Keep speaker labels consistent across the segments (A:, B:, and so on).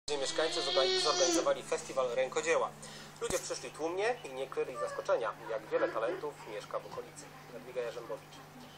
A: Mieszkańcy zorganizowali festiwal rękodzieła. Ludzie przyszli tłumnie i nie kryli zaskoczenia, jak wiele talentów mieszka w okolicy. Jadwiga Jarzębowicz.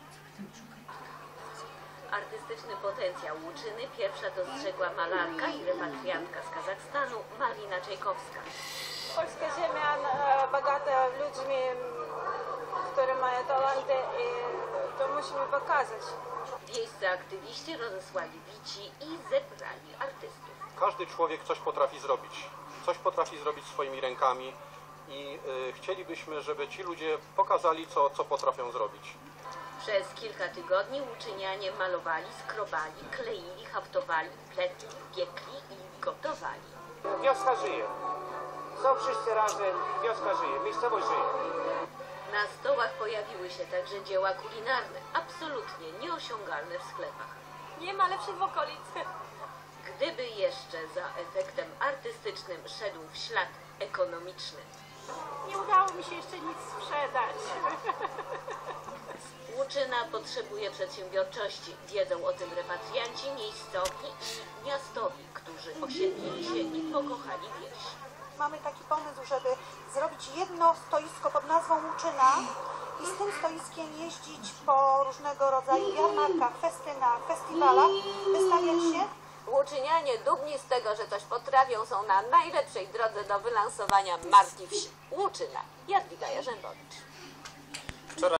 B: Artystyczny potencjał Łuczyny pierwsza dostrzegła malarka i repatriantka z Kazachstanu Malina Czajkowska.
C: Polska ziemia bogata ludźmi, którzy mają talenty i to musimy pokazać.
B: Wiejscy aktywiści rozesłali bici i zebrali artystów.
D: Każdy człowiek coś potrafi zrobić swoimi rękami i chcielibyśmy, żeby ci ludzie pokazali, co potrafią zrobić.
B: Przez kilka tygodni łuczynianie malowali, skrobali, kleili, haftowali, pletli, piekli i gotowali.
E: Wioska żyje. Są wszyscy razem, wioska żyje, miejscowość żyje.
B: Na stołach pojawiły się także dzieła kulinarne, absolutnie nieosiągalne w sklepach.
C: Nie ma lepszych w okolicy.
B: Gdyby jeszcze za efektem artystycznym szedł w ślad ekonomiczny.
C: Nie udało mi się jeszcze nic sprzedać.
B: Łuczyna potrzebuje przedsiębiorczości. Wiedzą o tym repatrianci miejscowi i miastowi, którzy osiedlili się i pokochali wieś.
F: Mamy taki pomysł, żeby zrobić jedno stoisko pod nazwą Łuczyna i z tym stoiskiem jeździć po różnego rodzaju jarmarkach, festynach, festiwalach, wystawiać się.
B: Łuczynianie dumni z tego, że coś potrafią, są na najlepszej drodze do wylansowania marki wsi. Łuczyna. Jadwiga Jarzębowicz.